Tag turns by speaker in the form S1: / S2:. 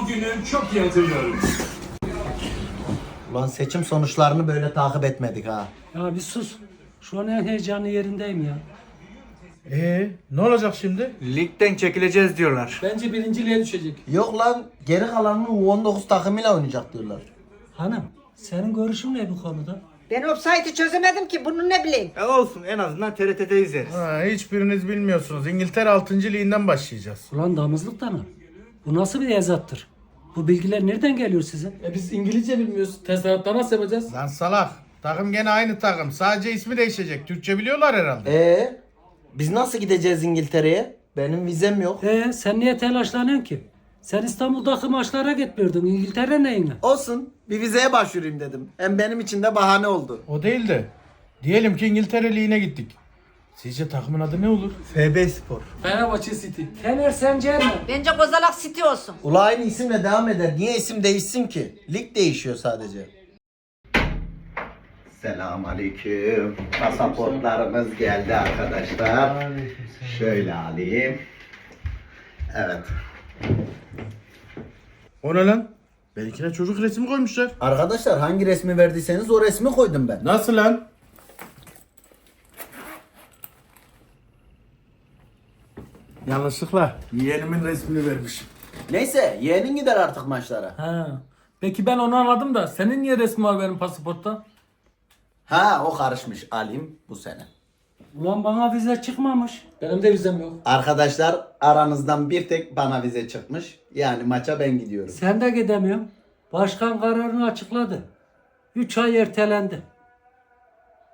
S1: O günü çok iyi hatırlıyorum.
S2: Ulan seçim sonuçlarını böyle takip etmedik ha.
S3: Ya bir sus. Şu an en heyecanlı yerindeyim ya.
S4: Ne olacak şimdi?
S5: Ligden çekileceğiz diyorlar.
S6: Bence birinciliğe düşecek.
S2: Yok lan geri kalanını U19 takımıyla oynayacak diyorlar.
S3: Hanım, senin görüşün ne bu konuda?
S7: Ben offside'ı çözemedim ki bunu ne bileyim.
S5: Olsun, en azından TRT'de izleriz.
S4: Hiçbiriniz bilmiyorsunuz. İngiltere 6. liginden başlayacağız.
S3: Ulan damızlık da mı? Bu nasıl bir ezattır? Bu bilgiler nereden geliyor size?
S6: Biz İngilizce bilmiyoruz. Tezahürattan nasıl yapacağız?
S4: Lan salak. Takım gene aynı takım. Sadece ismi değişecek. Türkçe biliyorlar herhalde.
S2: Biz nasıl gideceğiz İngiltere'ye? Benim vizem yok.
S3: Sen niye telaşlanıyorsun ki? Sen İstanbul'daki maçlara gitmiyordun. İngiltere neyine?
S2: Olsun. Bir vizeye başvurayım dedim. Hem benim için de bahane oldu.
S4: O değil de. Diyelim ki İngiltere Ligi'ne gittik. Sizce takımın adı ne olur?
S2: FB Spor.
S6: Fenerbahçe City.
S3: Fener sence mi?
S7: Bence Kozalak City olsun.
S2: Ula aynı isimle devam eder. Niye isim değişsin ki? Lig değişiyor sadece. Selamünaleyküm. Pasaportlarımız geldi arkadaşlar. Şöyle alayım. Evet.
S4: O ne lan? Benimkine çocuk resmi koymuşlar.
S2: Arkadaşlar hangi resmi verdiyseniz o resmi koydum ben.
S4: Nasıl lan? Yanlışlıkla yeğenimin resmini vermişim.
S2: Neyse yeğenin gider artık maçlara.
S6: Ha. Peki ben onu anladım da senin niye resmi var benim pasaportta?
S2: Ha o karışmış. Alayım bu sene.
S3: Ulan bana vize çıkmamış.
S6: Benim de vizem yok.
S2: Arkadaşlar aranızdan bir tek bana vize çıkmış. Yani maça ben gidiyorum.
S3: Sen de gidemiyorsun. Başkan kararını açıkladı. 3 ay ertelendi.